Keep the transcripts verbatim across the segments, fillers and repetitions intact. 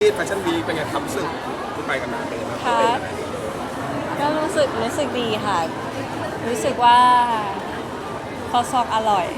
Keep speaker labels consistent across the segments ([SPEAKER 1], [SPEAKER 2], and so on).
[SPEAKER 1] ที่แฟชั่นวีคเป็นไงครับรู้สึกที่ไปกันมาเป็นไงบ้าง
[SPEAKER 2] ค่ะก็รู้สึกรู้สึกดีค่ะ รู้สึกว่าคอซองอร่อย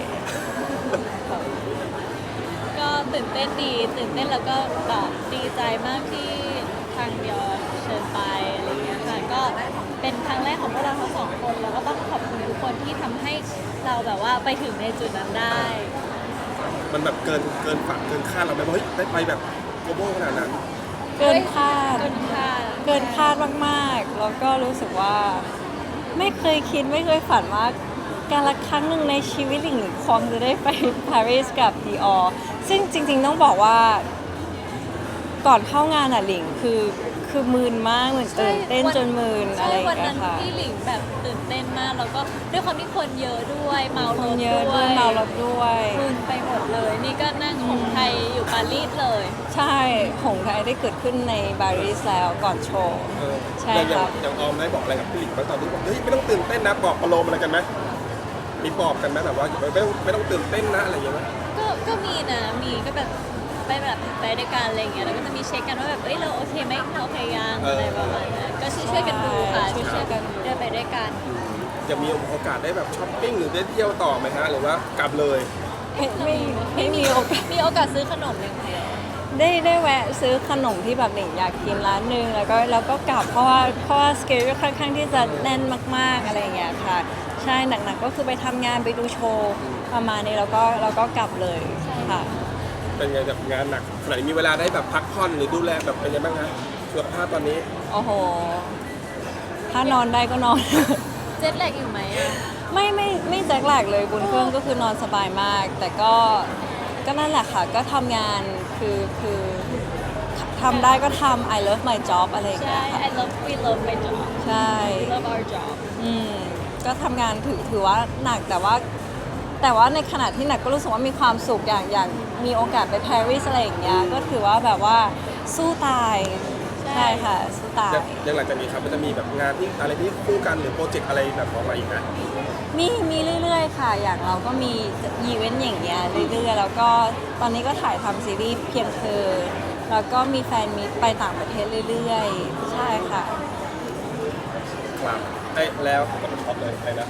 [SPEAKER 3] ก็ตื่นเต้นดีตื่นเต้นแล้วก็แบบดีใจมากที่ทางเดียวเชิญไปอะไรเงี้ยค่ะก็เป็นครั้งแรกของพวกเราทั้งสองคนแล้วก็ต้องขอบคุณทุกคนที่ทำให้เราแบบว่าไปถึงในจุดนั้นได้
[SPEAKER 1] มันแบบเกินเกินฝันเกินคาดเราไหมว่าเฮ้ยได้ไปแบบโกลบอลขนาดนั้น
[SPEAKER 2] เกินคาด
[SPEAKER 3] เกินคาด
[SPEAKER 2] เกินคาดมากๆ แล้วก็รู้สึกว่าไม่เคยคิดไม่เคยฝันว่าการละครั้งหนึ่งในชีวิตหลิงคงจะได้ไปปารีสกับดีออซึ่งจริงๆต้องบอกว่าก่อนเข้างานอ่ะหลิงคือคือมืนมากเหมือนตื่นเต้นจนมืนอะไรอย่าง
[SPEAKER 3] วัน
[SPEAKER 2] เงี้
[SPEAKER 3] นั้
[SPEAKER 2] ย
[SPEAKER 3] น
[SPEAKER 2] ค่ะ
[SPEAKER 3] ที่หลิงแบบตื่นเต้นมากแล้วก็ด้วยความที่คนเยอะด้วยเมาร
[SPEAKER 2] คน
[SPEAKER 3] ถ
[SPEAKER 2] เยอะ
[SPEAKER 3] ด้
[SPEAKER 2] ด้
[SPEAKER 3] ว
[SPEAKER 2] วย
[SPEAKER 3] ย
[SPEAKER 2] เมารถด้วย
[SPEAKER 3] มึนไปหมดเลย นี่ก็นั่งของไทยอยู่ปารีสเลย
[SPEAKER 2] ใช่ของไทยได้เกิดขึ้นในปารีสแล้วก่อนโชว์
[SPEAKER 1] เออ
[SPEAKER 2] ใช่
[SPEAKER 1] อย่าง
[SPEAKER 2] ครับ
[SPEAKER 1] อย่างออมได้บอกอะไรกับพี่หลิงบ้างตอนที่บอกเฮ้ยไม่ต้องตื่นเต้นนะบอกประโลมอะไรกันไหมมีบอกกันไหมแบบว่าไม่ต้องไม่ต้องตื่นเต้นนะอะไรอย่างเงี้ยไหม
[SPEAKER 3] ก็ก็มีนะมีก็แบบไปแบบไปด้วยกันอะไรอย่างเงี้ยแล้วก็จะมีเช็คกันว่าแบบเอ้ยเราโอเคไหมเราโอเคยังอะไรประมาณนั้นก็ช่วยช่วยๆกันดูค่ะ
[SPEAKER 2] ใช่
[SPEAKER 3] ช่วยๆกันเดินไปด้วยกัน
[SPEAKER 1] จะมีโอกาสได้แบบช้อปปิ้งหรือได้เที่ยวต่อไหมฮะหรือว่ากลับเลย
[SPEAKER 2] ไม่ไม่ไม่มีโอกาส
[SPEAKER 3] มีโอกาสซื้อขนมอย่างเดียว
[SPEAKER 2] ได้ได้แวะซื้อขนมที่แบบหลิงอยากกินร้านหนึงแล้วก็แล้วก็กลับเพราะว่าเพราะว่าสเกลค่อนข้างที่จะแน่นมากๆอะไรอย่างเงี้ยค่ะ ใช่หนักๆก็คือไปทำงานไปดูโชว์ประมาณนี้แล้วก็แล้วก็กลับเลยค่ะ
[SPEAKER 1] เป็นไงแบบงานหนักขนาดนี้มีเวลาได้แบบพักผ่อนหรือดูแลแบบเป็นยังไงบ้างฮะสุขภาพตอนนี้
[SPEAKER 2] โอ้โห ถ้านอนได้ก็นอน
[SPEAKER 3] เจ็ตแลกอยู่ไหมอ่ะ
[SPEAKER 2] ไม่ไม่ไม่แจ็คแลกเลยบนเครื่องก็คือนอนสบายมาก แต่ก็ก็นั่นแหละค่ะ ก็ทำงานคือคือทำได้ก็ทำ I love my job อะไรอย่าง
[SPEAKER 3] ใช่
[SPEAKER 2] เงี้ยค่ะ
[SPEAKER 3] I love we love my job
[SPEAKER 2] ใช่
[SPEAKER 3] we love our job
[SPEAKER 2] อืมก็ทำงานถือถือว่าหนักแต่ว่า แต่ว่าในขณะที่หนักก็รู้สึกว่ามีความสุขอย่างอย่างมีโอกาสไปปารีสอะไรอย่างเงี้ยก็ถือว่าแบบว่าสู้ตาย
[SPEAKER 3] ใช่
[SPEAKER 2] ใช่ค่ะสู้ตาย
[SPEAKER 1] ยังยังหลังจากนี้ครับมันจะมีแบบงานที่อะไรที่คู่กันหรือโปรเจกต์อะไรแบบออกมาอีกนะ
[SPEAKER 2] มีมีเรื่อยๆค่ะ อย่างเราก็มีอีเวนต์อย่างเงี้ยเรื่อยๆ แล้วก็ตอนนี้ก็ถ่ายทำซีรีส์เพียงเธอ แล้วก็มีแฟนมีตไปต่างประเทศเรื่อยๆ ใช่ค่ะ
[SPEAKER 1] ครับไอ้ยแล้วก็ช็อปเลยอะไรนะ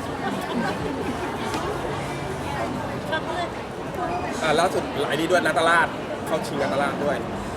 [SPEAKER 1] อ่าล่าสุดไอ้นี่ด้วยนาตาลาดเข้าชิงนาตาลาดด้วย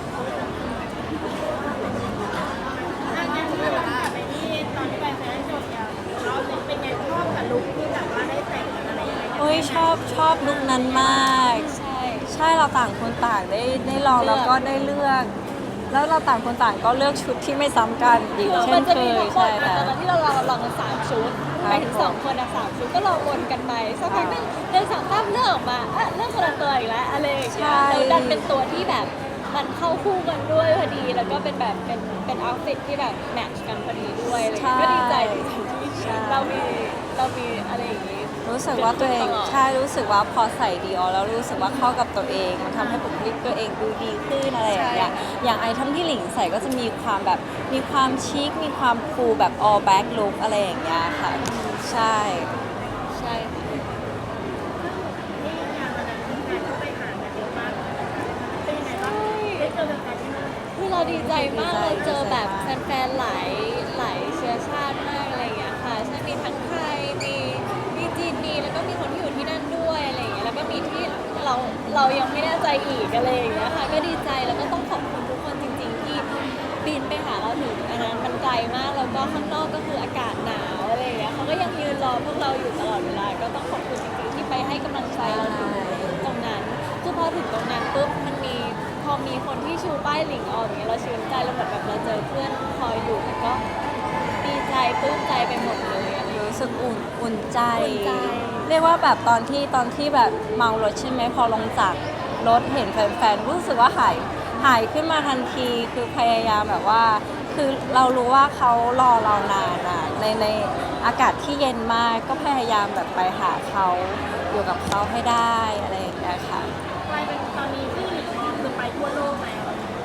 [SPEAKER 2] โอ้ยชอบชอบลุคนั้นมาก
[SPEAKER 3] ใช่
[SPEAKER 2] ใช่เราต่างคนต่างได้ได้ลองแล้วก็ได้เลือก แล้วเราต่างคนต่างก็เลือกชุดที่ไม่ซ้ำกันอีก
[SPEAKER 3] คือ
[SPEAKER 2] เช่
[SPEAKER 3] มัน นจะ
[SPEAKER 2] เค
[SPEAKER 3] มี
[SPEAKER 2] ย
[SPEAKER 3] ทั้งหม
[SPEAKER 2] ใช่
[SPEAKER 3] ดต
[SPEAKER 2] ค่ะ
[SPEAKER 3] อนนั้นที่เราลองลองกันสามชุด
[SPEAKER 2] ครับ
[SPEAKER 3] ไปถึงสองคนอะสามชุดก็ลองวนกันไปสักพักหนึงเดินสองตั้มเลือกออกมาอ่ะเลือกคนละตัวอีกแล้วอะไรอย่างเงี้ยแล้วดันเป็นตัวที่แบบมันเข้าคู่กันด้วยพอดีแล้วก็เป็นแบบเป็นเป็นเอาท์ฟิตที่แบบแมทช์กันพอดีด้วยอะไรอย่างเงี้ยก็ดีใจดีใจที่เรามีเรามีอะไรอย่างงี้
[SPEAKER 2] รู้สึกว่าตัวเอง
[SPEAKER 3] ตลอด
[SPEAKER 2] ใช่รู้สึกว่าพอใส่ดีออแล้วรู้สึกว่าเข้ากับตัวเอง มันทำให้บุคลิกตัวเองดูดีขึ้นอะไรอย่างเงี้ยอย่างไอทำที่หลิงใส่ก็จะมีความแบบมีความชิคมีความคูลแบบ all back look อะไรอย่างเงี้ยค่ะ ใช่
[SPEAKER 3] ใช่ค่ะคือเราดีใจมากเราเจอแบบแฟนๆหลายหลายเชื้อชาติมากอะไรอย่างเงี้ยค่ะใช่มีทั้งไทยมีมีจีนมีแล้วก็มีคนที่อยู่ที่นั่นด้วยอะไรอย่างเงี้ยแล้วก็มีที่เราเรายังไม่แน่ใจอีกอะไรอย่างเงี้ยค่ะก็ดีใจแล้วก็ต้องขอบคุณทุกคนจริง ๆ ที่บินไปหาเราถึงอันนั้นมันไกลมากแล้วก็ข้างนอกก็คืออากาศหนาวอะไรอย่างเงี้ยเขาก็ยังยืนรอพวกเราอยู่ตลอดเวลาก็ต้องขอบคุณจริงๆที่ไปให้กำลังใจเราถึงตรงนั้นคือพอถึงตรงนั้นปุ๊บมันมีพอมีคนที่ชูป้ายหลิงออกอย่างเงี้ยเราชื่นใจเราเหมือนแบบเราเจอเพื่อนคอยอยู่แล้วก็ดีใจปลื้มใจไปหมดเลยอะไรอย่างเงี้ย
[SPEAKER 2] รู้สึกอุ่นอุ่นใจ
[SPEAKER 3] อุ่นใจ
[SPEAKER 2] เรียกว่าแบบตอนที่ตอนที่แบบเมารถใช่ไหมพอลงจากรถเห็นแฟนๆรู้สึกว่าหายหายขึ้นมาทันทีคือพยายามแบบว่า คือเรารู้ว่าเขารอเรานานอะในในอากาศที่เย็นมากก็พยายามแบบไปหาเขาอยู่กับเขาให้ได้อะไรอย่างเงี้ยค่ะ
[SPEAKER 4] กลายเป็นตอนนี้ที่หลิงออมคือไปทั่วโลกแล้ว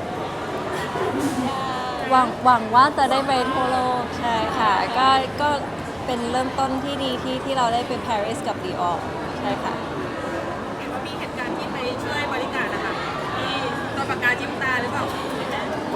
[SPEAKER 2] หวังหวังว่าจะได้ไปทั่วโลกใช่ค่ะก็ก็เป็นเริ่มต้นที่ดีที่ที่เราได้ไปปารีสกับดีออใช่ค่ะ
[SPEAKER 4] เห็นว่ามีเหตุการณ์ที่ไปช่วยบริการนะคะที่ตอนปากกาจิ้มตาหรือเปล่า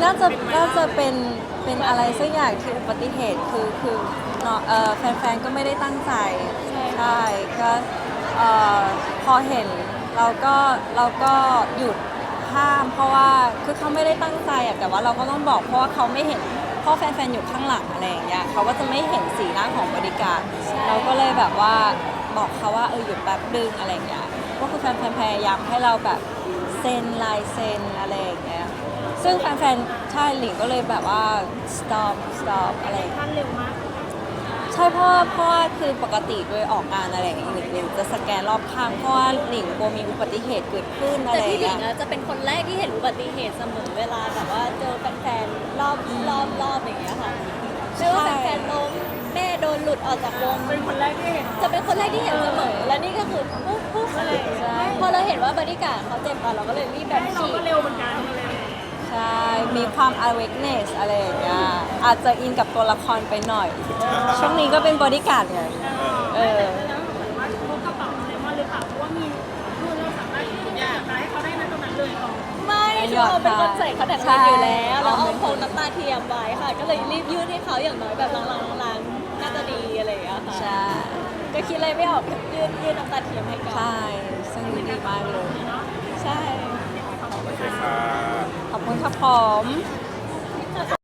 [SPEAKER 2] น่าจะน่าจะเป็นเป็นอะไรสักอย่างที่อุบัติเหตุคือคือเนาะเอ่อแฟนๆก็ไม่ได้ตั้งใจใช่ก็เอ่อพอเห็นเราก็เราก็หยุดห้าม เพราะว่าคือเขาไม่ได้ตั้งใจอะแต่ว่าเราก็ต้องบอกเพราะว่าเขาไม่เห็นเพราะแฟนๆอยู่ข้างหลังอะไรอย่างเงี้ยเขาก็จะไม่เห็นสีหน้าของบริการเราก็เลยแบบว่าบอกเขาว่าเออหยุดแป๊บนึงอะไรอย่างเงี้ยก็คือแฟนๆพยายามให้เราแบบเซ็นลายเซ็นอะไรอย่างเงี้ยซึ่งแฟนๆใช่หลิงก็เลยแบบว่า stop stop อะไรอย่างเงี้ย
[SPEAKER 4] ท่านเร็วมาก
[SPEAKER 2] ใช่เพราะว่าเพราะว่าคือปกติโดยออกงานอะไรอย่างเงี้ยหลิงหลิงจะสแกนรอบข้างเพราะว่าหลิงกลัวมีอุบัติเหตุเกิดขึ้นอะไร
[SPEAKER 3] แต่
[SPEAKER 2] อ
[SPEAKER 3] พี่
[SPEAKER 2] ย่าง
[SPEAKER 3] หลิ
[SPEAKER 2] เงี้
[SPEAKER 3] ง
[SPEAKER 2] ย
[SPEAKER 3] อะจะเป็นคนแรกที่เห็นอุบัติเหตุเสมอเวลาแบบว่าเจอแฟนๆรอบรอบรอบอย่างเงี้ยค่ะไม่ว่าแฟนๆล้มแม่โดนหลุดออกจากวง
[SPEAKER 4] เป็นคนแรกที่เห็น
[SPEAKER 3] จะเป็นคนแรกที่เห็นเสมอ และนี่ก็คือปุ๊บปุ๊บอะไรอย่างเงี้ยพอเราเห็นว่าบริการดเขาเจ็บอะเราก็เลยรีบแบบ
[SPEAKER 4] เรา
[SPEAKER 3] ฉี
[SPEAKER 4] ก็
[SPEAKER 3] ด
[SPEAKER 4] เร็วเหมือนกันเลย
[SPEAKER 2] ใช่ มีความ awareness อะไรอย่างเงี้ย อาจจะอินกับตัวละครไปหน่อย ช่วงนี้ก็เป็นบริการดไง เออ
[SPEAKER 4] แล้วเหมือนว่าพกกระเป๋าเลมอนหรือเปล่าเพราะว่ามีคือเราสามารถที่จะอยากได้ให้เขาได้ในตรงนั้นเลยต่อ
[SPEAKER 3] ไม่คือเราเป็นคนใส่คอนแทคเลนส์อยู่แล้ว
[SPEAKER 2] ใช่
[SPEAKER 3] แล้วเอาพกน้ำตาเทียมไว้ค่ะ ก็เลยรีบยื่นให้เขาอย่างน้อยแบบล้างๆๆน่าจะดีอะไรอย่างเงี้ยค่ะ
[SPEAKER 2] ใช่
[SPEAKER 3] ก็คิดอะไรไม่ออกยื่นยื่นน้ำตาเทียมให้ก่อน
[SPEAKER 2] ใช่ ซึ่งดีมากเลย
[SPEAKER 3] ใช่
[SPEAKER 1] โอเคค่ะ
[SPEAKER 2] ขอบคุณครับผม